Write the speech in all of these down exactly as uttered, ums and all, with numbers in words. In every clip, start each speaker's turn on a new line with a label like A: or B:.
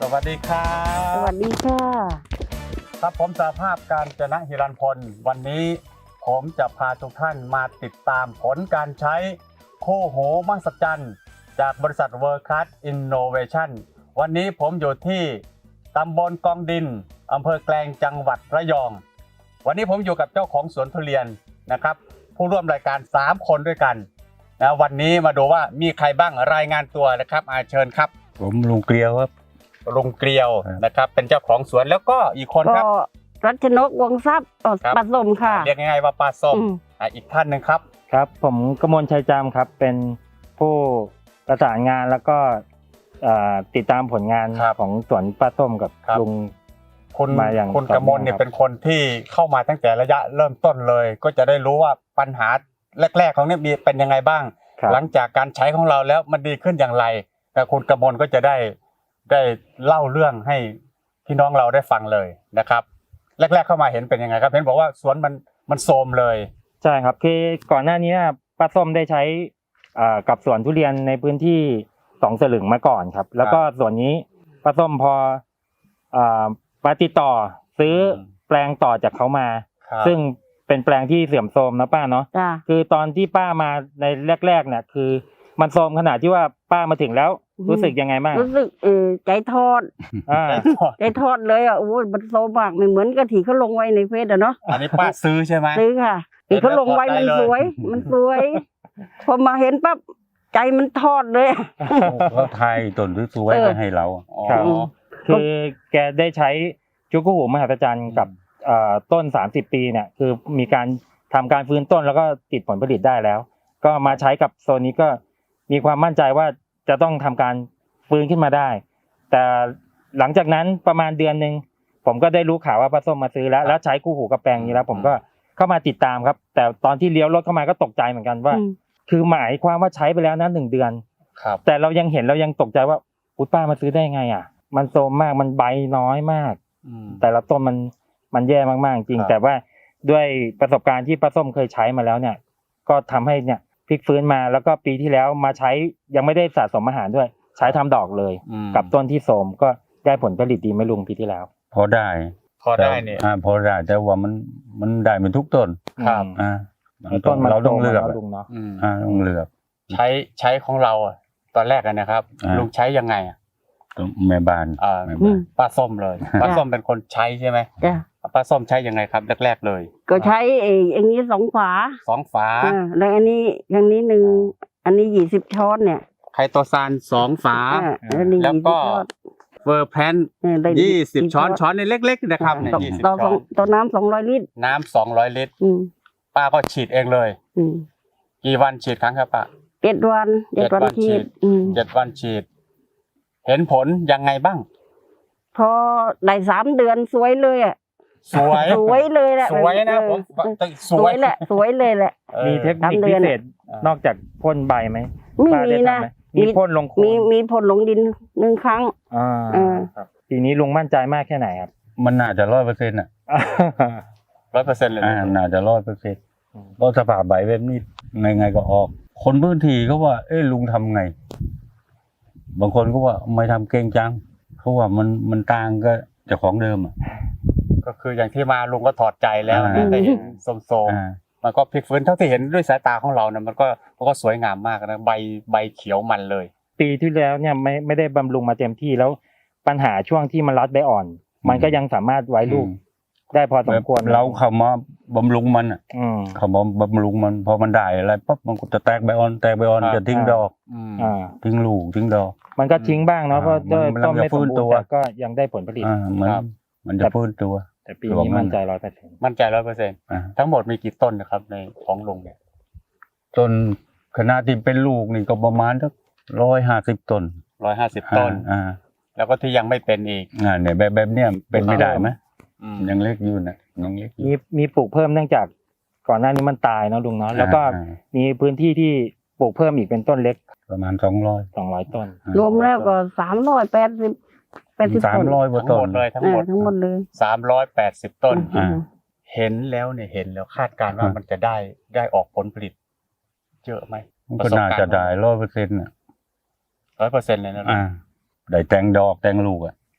A: วัสดีครับ
B: สวัสดีค่ะ
A: ครับผมสหภาพการจนะฮิรัญพลวันนี้ผมจะพาทุกท่านมาติดตามผลการใช้คู่หูมหัศจรรย์จากบริษัท World Class Innovation วันนี้ผมอยู่ที่ตำบลกองดินอำเภอแกลงจังหวัดระยองวันนี้ผมอยู่กับเจ้าของสวนทุเรียนนะครับผู้ร่วมรายการสามคนด้วยกันนะวันนี้มาดูว่ามีใครบ้างรายงานตัวนะครับอาเชิญครับ
C: ผมลุงเกลียวครับ
A: ลุงเกลียวนะครับเป็นเจ้าของสวนแล้วก็อีกคนครับ
B: ก็รัชนกวงทรัพย์ปัสสมค่ะ
A: เรียกง่ายๆว่าปลาส้มอีกท่านหนึ่งครับ
D: ครับผมกมลชัยจามครับเป็นผู้ประสานงานแล้วก็ติดตามผลงานของสวนปลาส้มกับลุง
A: คุณมาอย่างคุณกมลเนี่ยเป็นคนที่เข้ามาตั้งแต่ระยะเริ่มต้นเลยก็จะได้รู้ว่าปัญหาแรกๆของเนี่ยมีเป็นยังไงบ้างหลังจากการใช้ของเราแล้วมันดีขึ้นอย่างไรแต่คุณกมลก็จะได้ได้เล่าเรื่องให้พี่น้องเราได้ฟังเลยนะครับแรกๆเข้ามาเห็นเป็นยังไงครับเห็นบอกว่าสวนมันมันโทรมเลย
D: ใช่ครับคือก่อนหน้านี้ป้าส้มได้ใช้กับสวนทุเรียนในพื้นที่สองสลึงมาก่อนครับแล้วก็ส่วนนี้ป้าส้มพอมาติดต่อซื้อแปลงต่อจากเขามาซึ่งเป็นแปลงที่เสื่อมโทรมนะป้าเนาะคือตอนที่ป้ามาในแรกๆเนี่ยคือมันโทรมขนาดที่ว่าป้ามาถึงแล้วรู้สึกยังไงบ้าง
B: รู้สึกเออใจทอดใจทอดเลยอ่ะโอ้ยมันโซมากไม่เหมือนกะทิเขาลงไว้ในเฟซอ่ะเนาะ
A: อันนี้ป้าซื้อใช่ไหม
B: ซื้อค่ะที่เขาลงไว้มันสวยมันสวยพอมาเห็นปั๊บใจมันทอดเลย
C: เขาไทยต้นสวยๆไปให้เรา
D: ครับคือแกได้ใช้ชุกุหูมหัศจรรย์กับต้นสามสิบปีเนี่ยคือมีการทำการฟื้นต้นแล้วก็ติดผลผลิตได้แล้วก็มาใช้กับโซนนี้ก็มีความมั่นใจว่าจะต้องทำการฟื้นขึ้นมาได้แต่หลังจากนั้นประมาณเดือนนึงผมก็ได้รู้ข่าวว่าป้าส้มมาซื้อแล้วแล้วใช้คู่หูกับแปลงนี้แล้วผมก็เข้ามาติดตามครับแต่ตอนที่เลี้ยวรถเข้ามาก็ตกใจเหมือนกันว่าคือหมายความว่าใช้ไปแล้วนะหนึ่งเดือนแต่เรายังเห็นเรายังตกใจว่าอุ๊ยป้ามาซื้อได้ไงอ่ะมันโทรมมากมันใบน้อยมากแต่ละต้นมันมันแย่มากๆจริงแต่ว่าด้วยประสบการณ์ที่ป้าส้มเคยใช้มาแล้วเนี่ยก็ทำให้เนี่ยพลิกฟื้นมาแล้วก็ปีที่แล้วมาใช้ยังไม่ได้สะสมอาหารด้วยใช้ทำดอกเลยกับต้นที่โทรมก็ได้ผลผลิตดีไม่ลุงปีที่แล้ว
C: พอได้
A: พอได้เนี่ย
C: อ่าพอได้แต่ว่ามันมันได้เป็นทุกต้น
A: ครับ
C: อ่าต้นเราต้องเลือก
D: ลุงเนาะ
C: อ่าต้องเลือก
A: ใช้ใช้ของเราตอนแรกนะครับลุงใช้ยังไงอ่ะ
C: แม่บ้าน
A: อ่าป้าส้มเลยป้าส้มเป็นคนใช้ใช่ไหม
B: จ้ะ
A: ป้าส้มใช้ยังไงครับแรกๆเลย
B: ก็ใช้เองอันนี้สองฝา
A: สองฝา
B: แล้วอันนี้อย่างนี้หนึ่งอันนี้ยี่สิบช้อนเนี่ย
A: ไคโตซานสองฝาแล้วก็เวอร์แพนยี่สิบช้อนช้อนในเล็กๆนะครับเนี่ยยี่สิบช้อน
B: ต่อน้ำสองร้อยลิตร
A: น้ำสองร้อยลิตรป้าก็ฉีดเองเลยกี่วันฉีดครั้งครับป้า
B: เจ็ดวันเจ็ดวันฉีด
A: เจ็ดวันฉีดเห็นผลยังไงบ้าง
B: พอได้สามเดือนสวยเลยอ่ะ
A: สวย
B: สวยเลยแหละ
A: สวยนะผม
B: สวยแหละสวยเลยแหละ
D: มีเทคนิคพิเศษนอกจากพ่นใบไหม
B: ไม่มีนะ
D: มีพ่นลงโคน
B: มีมีพ่นลงดินหนึ่งครั้ง
D: อ่าครับปีนี้ลุงมั่นใจมากแค่ไหนครับ
C: มันน่าจะร้อยเปอร์เซ็นต์อ่ะ
A: ร้อยเปอร์เซ็นต์เลย
C: อ่าน่าจะร้อยเปอร์เซ็นต์เพราะสภาพใบแบบนี้ไงไงก็ออกคนพื้นที่เขาว่าเอ้ลุงทำไงบางคนก็ว่าไม่ทำเก่งจังเพราะว่ามันมันต่างก็จากของเดิมอ่ะ
A: ก็คืออย่างที่มาลุงก็ถอดใจแล้วนะแต่เห็นโสมๆมันก็พลิกฟื้นเท่าที่เห็นด้วยสายตาของเรานะมันก็มันก็สวยงามมากนะใบใบเขียวมันเลย
D: ปีที่แล้วเนี่ยไม่ไม่ได้บำรุงมาเต็มที่แล้วปัญหาช่วงที่มันรัดใบอ่อนมันก็ยังสามารถไว้ลูกได้พอสมควร
C: เราเข้ามาบำรุงมันอ่ะเขามาบำรุงมันพอมันได้อะไรปั๊บมันก็จะแตกใบอ่อนแตกใบอ่อนจะทิ้งดอกทิ้งลูกทิ้งดอก
D: มันก็ทิ้งบ้างเนาะเพราะต้นไม่สมบูรณ์แต่ก็ยังได้ผลผลิต
C: มันมันจะฟื้นตัว
D: แต่ปีนี้มั่นใจร้อยเปอร์เซ็นต์
A: มั่นใจร้อยเปอร์เซ็นต์ทั้งหมดมีกี่ต้นนะครับในของลุงเนี่ย
C: ต้นขนาดที่เป็นลูกนี่ก็ประมาณสักร้อยห้าสิบต้น
A: ร้อยห้าสิบต้นอ่าแล้วก็ที่ยังไม่เป็นอีก
C: อ่าเนี่ยแบบแบบเนี้ยเป็นไม่ได้ไหมยังเล็กอยู่นะยังเล็ก
D: มีมีปลูกเพิ่มเนื่องจากก่อนหน้านี้มันตายเนาะลุงเนาะแล้วก็มีพื้นที่ที่ปลูกเพิ่มอีกเป็นต้นเล็ก
C: ประมาณสองร้อย
D: สองร้อยต้น
B: รวมแล้วก็สามร้อยแปดสิบแปดสิบ
C: สามร้อยกว่าต้น
A: เลยทั้งหมด
B: ทั้งหมดเลย
A: สามร้อยแปดสิบต้นเห็นแล้วเนี่ยเห็นแล้วคาดการณ์ว่ามันจะได้ได้ออกผลผลิตเยอะไหม
C: ก็น่าจะได้ร้อยเปอร์เซ็นต์อ่ะ
A: ร้อยเปอร์เซ็นต์เลยนะ
C: อ่าได้แตงดอกแตงลูกอ่ะ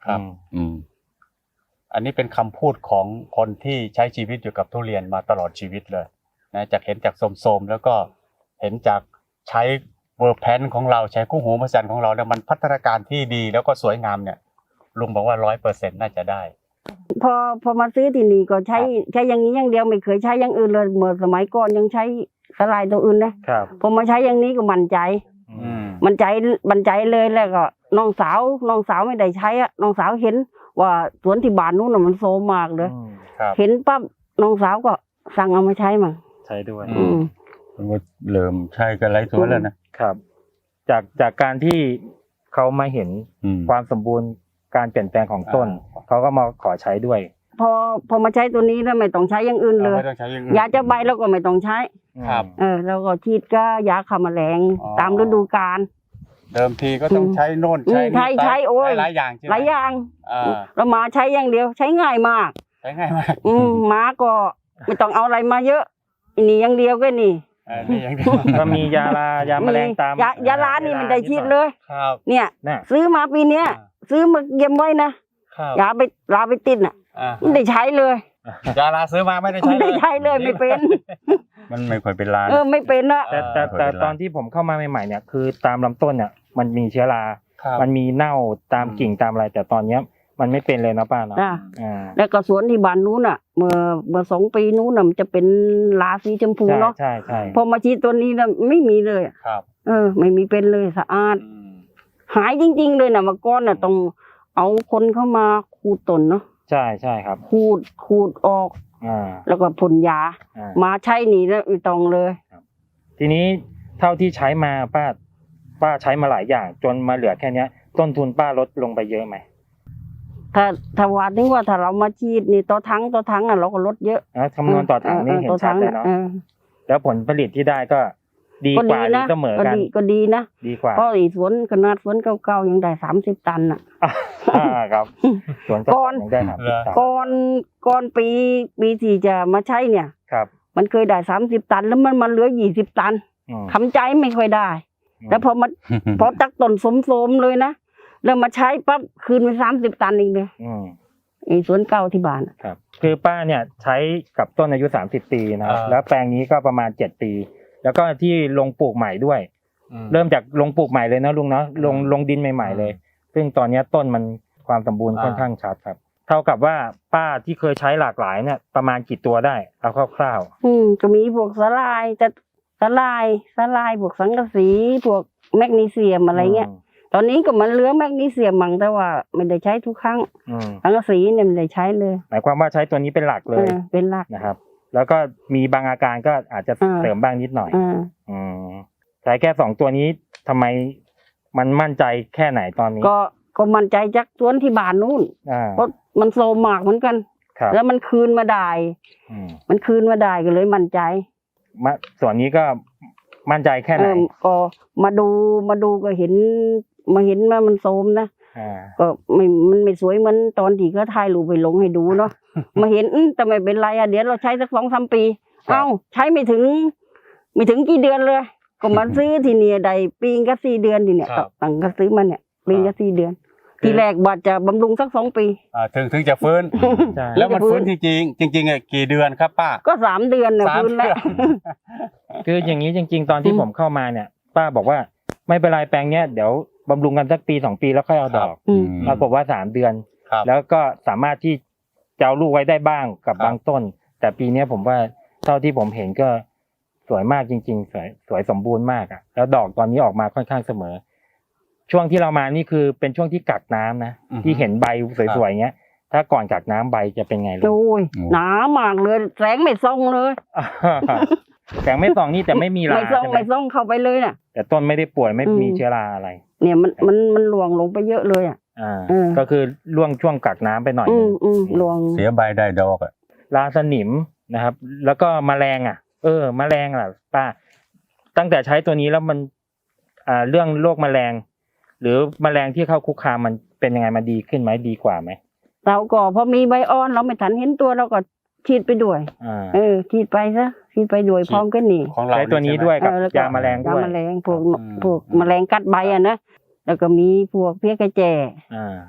A: ครับ
D: อืม
C: อืม
A: อันนี้เป็นคำพูดของคนที่ใช้ชีวิตอยู่กับทุเรียนมาตลอดชีวิตเลยนะจากเห็นจากโสมๆแล้วก็เห็นจากใช้เวอร์แพนของเราใช้คู่หูมหัศจรรย์ของเราเนี่ยมันพัฒนาการที่ดีแล้วก็สวยงามเนี่ยลุงบอกว่าร้อยเปอร์เซ็นต์น่าจะได้
B: พอพอมาซื้อที่นี่ก็ใช้
A: ครับ
B: ใช้อย่างนี้อย่างเดียวไม่เคยใช้อย่างอื่นเลยเมื่อสมัยก่อนยังใช้สลายตัวอื่นนะครับ พอมาใช้อย่างนี้ก็มั่นใจ
A: อืม
B: มั่นใจมั่นใจเลยแล้วก็น้องสาวน้องสาวไม่ได้ใช้อะน้องสาวเห็นว่าสวนที่บ้านนู้นน่ะมันโซมมากเลย
D: อืม
A: ครับ
B: เห็นปั๊บน้องสาวก็สั่งเอามาใช้มั่ง
D: ใช้ด้วย
A: อื
B: อืม
C: มันก็เริ่มใช่กันไรสวนแล้วนะครับ
D: จากจากการที่เขามาเห็น
C: อืม
D: ความสมบูรณ์การเปลี่ยนแปลงของต้น เขาก็มาขอใช้ด้วย
B: พอพอมาใช้ตัวนี้แล้วไม่ต้องใช้อย่างอื่นเลย
A: ไม่ต้องใช้อย่างอื่น
B: ยาจะใบเราก็ไม่ต้องใช้
A: ครับ
B: เออเราก็ฉีดก็ยาฆ่าแมลง
A: อ๋อ
B: ตามฤดูกาล
A: เดิมทีก็ต้องใช้โน่น
B: อืม
A: ใช้นี่
B: ใช้ใช้โอ้ย
A: หลายอย่างใช่ไหม
B: หลายอย่าง
A: อ่า
B: เรามาใช้อย่างเดียวใช้ง่ายมาก
A: ใช้ง่ายมาก
B: อืมมาก็ไม่ต้องเอาอะไรมาเยอะอันนี่อย่างเดียวก็นี่
A: อ่านี่อย่างเดียว
D: ก็มียาลายาแมลงตาม
B: ยายาลานี่มันได้ฉีดเลย
A: ครับ
B: เนี่ย
D: น่ะ
B: ซื้อมาปีเนี้ย
A: อ่า
B: ซื้อมาเก็บไว้นะครับ ยาไปลาไปติดน่ะ
A: อ่า
B: ไม่ได้ใช้เลย
A: ยาลาซื้อมาไม่ได้ใช้
B: ไม่ได้ใช้เลยไม่เป็น
C: มันไม่ค่อยเป็นลาน
B: เออไม่เป็นอะ
D: แต่แต่แต่ตอนที่ผมเข้ามาใหม่ๆเนี่ยคือตามลำต้นเนี่ยมันมีเชื้อรา
A: ครับ
D: มันมีเน่าตาม
A: อืม
D: กิ่งตามอะไร แต่ตอนเนี้ยมันไม่เป็นเลยนะป้าเนาะ
B: จ้ะ
D: อ่า
B: แล้วก็สวนที่บ้านนู้นอ่ะ เมื่อเมื่อสองปีนู้นน่ะมันจะเป็นลาสีชมพู
D: ใช่
B: เนาะ
D: ใช่ใช่
B: พอมาฉีดตัวนี้แล้วไม่มีเลยอะ
A: ครับ
B: เออ ไม่มีเป็นเลยสะอาด
A: อืม
B: หายจริง ๆ เลยนะเมื่อก่อนน่ะต้องเอาคนเข้ามาขูดต้นเนาะ
D: ใช่ใช่ครับ
B: ขูดขูดออก
D: อ่า
B: แล้วก็พ่นยา
D: อ่า
B: มาใช้นี่แล้วไม่ต้องเลย
D: ทีนี้เท่าที่ใช้มาป้าป้าใช้มาหลายอย่าง จนมาเหลือแค่เนี้ย ต้นทุนป้าลดลงไปเยอะไหม
B: ถ้าถ้าว่าถึงว่าถ้าเรามาฉีดนี่ต่อทั้งต่อทั้งอ่ะเราก็ลดเยอะ
D: อ่ะคำนวณต่อถังนี่เห็น
B: ต่อ
D: ชัด
B: ง
D: เลยเนาะ
B: ออ
D: แล้วผลผลิตที่ได้ก็ดี
B: ก็
D: ก
B: ดี
D: ว่าหรือ
B: นะ
D: เสมอ
B: ก็
D: กัน
B: ดีก็ดีนะ
D: ดีกว่า
B: เพราะอีสวนขนาดสวนเก่าๆยังได้สามสิบตันอ่ะ
D: อ่าครับสวน
B: ก่อน
D: ยังได้ครับ
B: ก่อนก่อนปีปีที่จะมาใช้เนี่ย
D: ครับ
B: มันเคยได้สามสิบตันแล้วมันมาเหลือยี่สิบตัน
D: อืม
B: ทำใจไม่ค่อยได้ แล้วพอมาพอตักต้นสมๆเลยนะแล้วมาใช้ปั๊บคืนไปสามสิบตันเองเลย
D: อืม
B: ไอ้สวนเก่าที่บ้านอะ
D: ครับ คือป้าเนี่ยใช้กับต้นอายุสามสิบปีนะครับ
A: อ่า
D: แล้วแปลงนี้ก็ประมาณเจ็ดปี แล้วก็ที่ลงปลูกใหม่ด้วย
A: อืม
D: เริ่มจากลงปลูกใหม่เลยนะลุงเนาะลงลงดินใหม่ ๆ เลย ซึ่งตอนเนี้ยต้นมันความสมบูรณ์
A: อ่า
D: ค่อนข้างชัดครับ เท่ากับว่าป้าที่เคยใช้หลากหลายเนี่ยประมาณกี่ตัวได้เอาคร่าว
B: อืมก็มีพวกสลายแต่สลายสลายพวกสังกะสีพวกแมกนีเซียม
D: ๆ
B: อะไรเงี้ย ตอนนี้ก็มันเหลือแมกนีเซียมมั่งแต่ว่าไม่ได้ใช้ทุกครั้ง
D: อืม
B: สังกะสีเนี่ยไม่ได้ใช้เลย
D: หมายความว่าใช้ตัวนี้เป็นหลักเล
B: เอย อเป็นหลัก
D: นะครับ แล้วก็มีบางอาการก็อาจจะ
B: อ่า
D: เสริมบ้างนิดหน่อย
B: อ่า
D: อืมใช้แค่สองตัวนี้ทำไมมันมั่นใจแค่ไหนตอนนี้
B: ก็ก็มั่นใจจากสวนที่บ้านนู่น
D: อ่า
B: เพราะมันโซมมากเหมือนกัน
D: ครับ
B: แล้วมันคืนมาได้
D: อืม
B: มันคืนมาได้ก็เลยมั่นใจ
D: มาส่วนนี้ก็มั่นใจแค่ไหน
B: เออก็มาดูมาดูก็เห็น มาเห็นว่ามันโซมนะ
D: อ่า
B: ก็ไม่มันไม่สวยเหมือนตอนที่ก็ถ่ายรูปไปลงให้ดูเนาะ มาเห็นอื้อแต่ไม่เป็นไรอ่ะเดี๋ยวเราใช้สักสองสามปี
A: ครับ
B: เอ้าใช้ไม่ถึง ไม่ถึงกี่เดือนเลย ก็มาซื้อทีเนี่ยได้ปีงก็สี่เดือนทีเนี่ย
A: ครับ
B: ตั้งก็ซื้อมาเนี่ยปีงก็สี่เดือน
A: คือ
B: ทีแรกบัดจะบำรุงสักสองปี
A: อ่าถึงถึงจะฟื้น
D: ใช่
A: แล้วมันฟื้นจริงๆจริงๆอ่ะกี่เดือนครับป้า
B: ก็สามเดือนเนี่ย
A: สาม
B: พื้นแล้ว
A: เดือน
D: คืออย่างนี้จริง ๆ ตอนที่
B: อืม
D: ผมเข้ามาเนี่ย ป้าบอกว่าไม่เป็นไรแปลงเนี้ยเดี๋ยวบำรุงกันสักปีสองปีแล้วค่อยเอาดอก
B: อืม
D: ปรากฏว่าสามเดือน
A: ครับ
D: แล้วก็สามารถที่จะเอาลูกไว้ได้บ้างกับ
A: ครับ
D: บางต้น แต่ปีเนี้ยผมว่าเท่าที่ผมเห็นก็สวยมากจริง ๆ สวยสวยสมบูรณ์มากอ่ะแล้วดอกตอนนี้ออกมาค่อนข้างเสมอ ช่วงที่เรามานี่คือเป็นช่วงที่กักน้ำนะ
A: อือฮึ
D: ที่เห็นใบสวยๆเงี้ย ถ้าก่อนกักน้ำใบจะเป็นไงลูก
B: โอ้ย
C: โอ้
B: หนามากเลยแสงไม่ส่องเลย
D: แสงไม่ส่องนี่แต่ไม่มีรา
B: ไม่ส่อง
D: ใช่ไหม
B: ไม่ส่องเข้าไปเลยน่ะ
D: แต่ต้นไม่ได้ป่วยไม่
B: อืม
D: มีเชื้อราอะไร
B: เนี่ยมันมันมันหลวงลงไปเยอะเลยอ่ะ
D: อ่า
B: เออ
D: ก็คือล่วงช่วงกักน้ำไปหน่อย
B: อื
D: นึ
B: ม
D: ง
B: อืมหลวง
C: เสียใบได้ดอกอ่ะ
D: ราสนิมนะครับ แล้วก็แมลงอ่ะ เออ แมลงอ่ะป้า ตั้งแต่ใช้ตัวนี้แล้วมัน อ่า เรื่องโรคแมลง หรือแมลงที่เข้าคุกคามมันเป็นยังไงมันดีขึ้นไหมดีกว่าไหม
B: เราก็พอมีใบอ่อนเราไม่ทันเห็นตัวเราก็ฉีดไปด้วย
D: อ่า
B: เออฉีดไปซะฉีดไปด้วย
A: ฉีด
B: พร้อมกันนี่
A: ของเรา
D: ใช้ตัวนี้ด้วยกับ
B: เออแล้วก็
D: ยาแมลงด้วย
B: ยาแมลงพวก
A: อืม
B: พวกแมลงกัดใบอ่ะนะแล้วก็มีพวกเพี้ยกระแจ
D: อ่า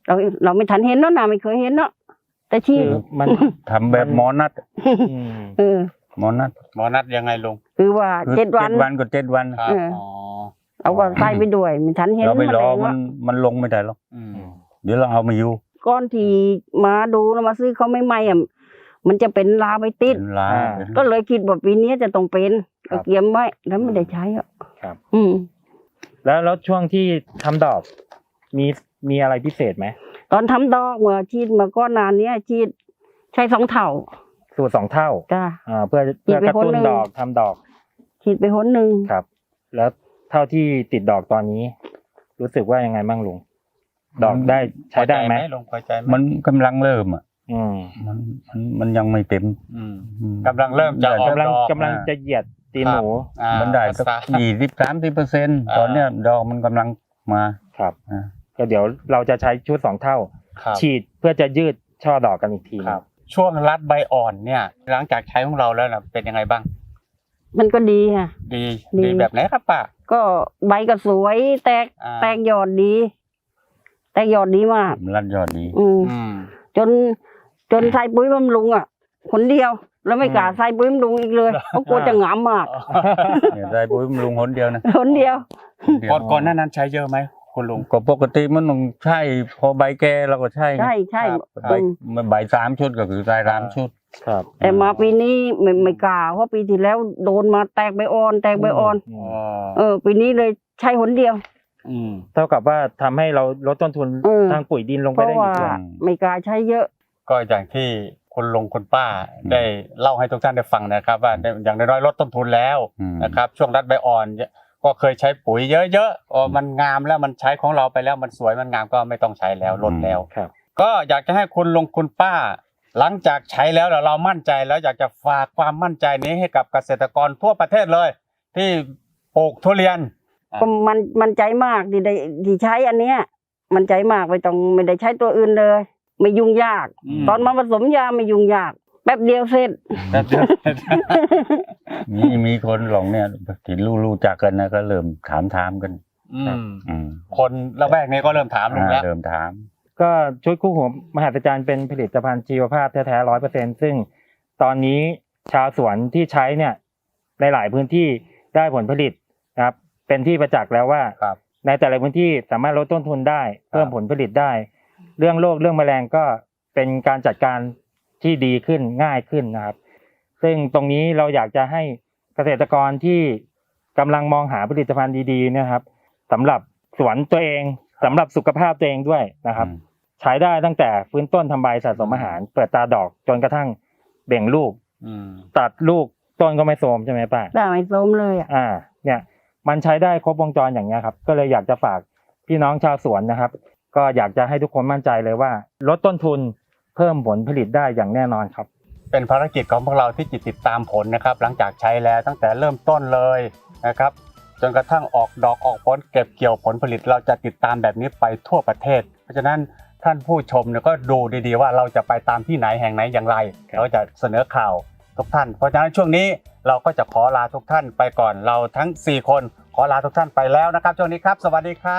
B: เราเราไม่ทันเห็นเนาะนะไม่เคยเห็นเนาะแต่ที่
D: คือมัน
C: ทำแบบหมอนัด
D: อืม
B: เออ
C: หมอนัด
A: หมอนัดยังไงลุง
B: คือว่า
C: คือ
B: เจ็ดวัน
C: เจ็ดวันก็เจ็ดวัน
A: ครับ
B: เออ
A: อ๋อ
B: เราก็ใส่ไปด้วยไม่ทันเห็น
C: เราไปรอ
B: แมลง
C: มัน
B: เนาะ
C: มันลงไม่ได้หรอก
A: อืม
C: เดี๋ยวเราเอามาอยู่
B: ก้อนที่มาดูแล้วมาซื้อเขาไม่ไหมอ่ะมันจะเป็นลาไปติด
C: เป็นลา
D: อ่า
C: เป็น
B: ก็เลยคิดว่าปีนี้จะต้องเป็น
D: ครั
B: ก็
D: บ
B: เกียมไว้แล้วไม่ได้ใช้อ่ะ
D: ครับ
B: อืม
D: แล้วแล้วช่วงที่ทำดอกมีมีอะไรพิเศษไหม
B: ตอนทำดอกเมื่อชีดมาก็นานเนี้ยชีดใช้สองเท่า
D: สูตรสองเท่า
B: จ้า
D: อ่าเพื่อเพื่อกระตุ้นดอกทำดอก
B: ฉีดไปหนหนึ่ง
D: ครับ แล้วเท่าที่ติดดอกตอนนี้ รู้สึกว่ายังไงบ้างลุงดอกได้ใช้ได้ไหม
A: พอใจลุงพอใจไหม
C: มันกำลังเริ่มอ่ะ
D: อืม
C: มันมันมันยังไม่เต็ม
A: อืม
C: อืม
A: กำลังเริ่มจะออก
D: กำลัง
A: ดอก
D: กำลังจะเหยียดตีนหนู
A: อ่า
C: มันได้สัก
A: ภาษา
C: ยี่สิบสามสิบเปอร์เซ็นต์
A: อ่า
C: ตอนเนี้ยดอกมันกำลังมา
D: ครับ
C: อ่า
D: ก็เดี๋ยวเราจะใช้ชุดสองเท่า
A: ครับ
D: ฉีดเพื่อจะยืดช่อดอกกันอีกที
A: ครับ ช่วงรัดใบอ่อนเนี่ย หลังจากใช้ของเราแล้วนะเป็นยังไงบ้าง
B: มันก็ดีค่ะ
A: ดี
B: ดี
A: ดีแบบไหนครับป้า
B: ก็ใบก็สวยแตก
A: อ่า
B: แตกยอดดี แตกยอดดีมาก
C: มันรัดยอดดี
B: อืม
A: อืม
B: จนจนใส่ปุ๋ยบำรุงอ่ะคนเดียว แล้วไม่กล้าใส่ปุ๋ยบำรุงอีกเลยเพราะกลัวจะหงามมาก
C: เนี่ยได้ปุ๋ยบำรุงหนเดียวนะ
B: คนเดียว
C: หนเดียว
A: ก่อนก่อนหน้านั้นใช้เยอะไหมคุณลุง
C: ก็ปกติมันต้องใช่พอใบแก่เราก็ใช่ไง
B: ใช่ใช่
A: ครับ
C: ใบ
B: อืม
C: มันใบสามชุดก็คือใส่สามชุด
D: ครับ
B: แต่มาปีนี้ไม่ไม่กล้าเพราะปีที่แล้วโดนมาแตกใบอ่อน แตกใบอ่อน
D: อื
A: อ๋
D: ม
A: อ
B: เออ ปีนี้เลยใช้หนเดียว
A: อืม
D: เท่ากับว่าทำให้เราลดต้นทุน
B: เออ
D: ทางปุ๋ยดินลง
B: เพ
D: ไป
B: ราะ
D: ได้อี
B: ว่าก
D: ด้วย
B: ไม่กล้าใช้เยอะ
A: ก็อย่างที่คุณลุงคุณป้าได้เล่าให้ทุกท่านได้ฟังนะครับ ว่าได้อย่างน้อยๆลดต้นทุนแล้ว
C: อืม
A: นะครับ ช่วงรัดใบอ่อน ก็เคยใช้ปุ๋ยเยอะๆอ๋อมันงามแล้วมันใช้ของเราไปแล้วมันสวยมันงามก็ไม่ต้องใช้แล้วลดแล้ว
D: ครับ
A: ก็อยากจะให้คุณลุงคุณป้า หลังจากใช้แล้วเรามั่นใจแล้วอยากจะฝากความมั่นใจนี้ให้กับเกษตรกรทั่วประเทศเลย ที่ปลูกทุเรียน
B: ก็มันมันใจมากที่ได้ที่ใช้อันเนี้ย มันใจมากไม่ต้องไม่ได้ใช้ตัวอื่นเลย ไม่ยุ่งยาก
A: อืม
B: ตอนมาผสมยาไม่ยุ่งยาก แป๊บเดียวเสร็จ
A: แบบเดียว
C: มีมีคนหลงเนี่ยที่รู้รู้จักกันนะก็เริ่มถามถามกัน
A: อืม
C: อืม
A: คนละแวกนี้ก็เริ่มถามลุงแล้ว
C: เริ่มถาม
D: ก็ชุดคู่หูมหัศจรรย์เป็นผลิตภัณฑ์ชีวภาพแท้ๆร้อยเปอร์เซ็นซึ่งตอนนี้ชาวสวนที่ใช้เนี่ยในหลายพื้นที่ได้ผลผลิตนะครับ เป็นที่ประจักษ์แล้วว่า
A: ครับ
D: ในแต่ละพื้นที่สามารถลดต้นทุนได้เพิ่มผลผลิตได้ เรื่องโรคเรื่องแมลงก็เป็นการจัดการที่ดีขึ้นง่ายขึ้นนะครับ ซึ่งตรงนี้เราอยากจะให้เกษตรกรที่กำลังมองหาผลิตภัณฑ์ดีๆเนะครับสำหรับสวนตัวเองสำหรับสุขภาพตัวเองด้วยนะครับ
C: อืม
D: ใช้ได้ตั้งแต่ฟื้นต้นทำใบสะสมอาหาร เปิดตาดอกจนกระทั่งเบ่งลูก
A: อืม
D: ตัดลูกต้นก็ไม่โทรมใช่ไหมป้า
B: ได้ไม่ส้มเลยอ่ะ
D: อ่า เนี่ยมันใช้ได้ครบวงจรอย่างเงี้ยครับ ก็เลยอยากจะฝากพี่น้องชาวสวนนะครับ ก็อยากจะให้ทุกคนมั่นใจเลยว่า ลดต้นทุนเพิ่มผลผลิตได้อย่างแน่นอนครับ
A: เป็นภารกิจของพวกเราที่จิตติดตามผลนะครับ หลังจากใช้แล้วตั้งแต่เริ่มต้นเลยนะครับ จนกระทั่งออกดอกออกผลเก็บเกี่ยวผลผลิตเราจะติดตามแบบนี้ไปทั่วประเทศ เพราะฉะนั้นท่านผู้ชมเนี่ยก็ดูดีๆว่าเราจะไปตามที่ไหนแห่งไหนอย่างไรเราจะเสนอข่าวทุกท่าน เพราะฉะนั้นช่วงนี้เราก็จะขอลาทุกท่านไปก่อนเราทั้งสี่คนขอลาทุกท่านไปแล้วนะครับช่วงนี้ครับสวัสดีครับ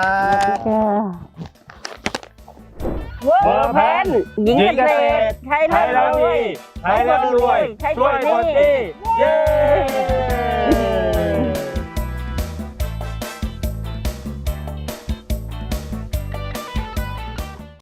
B: เวอร์แพนหญิงเกษตรใช้แล้วรวย
D: ใช้แล้วรวย
B: ใช้
D: ช่วยคนดี เย้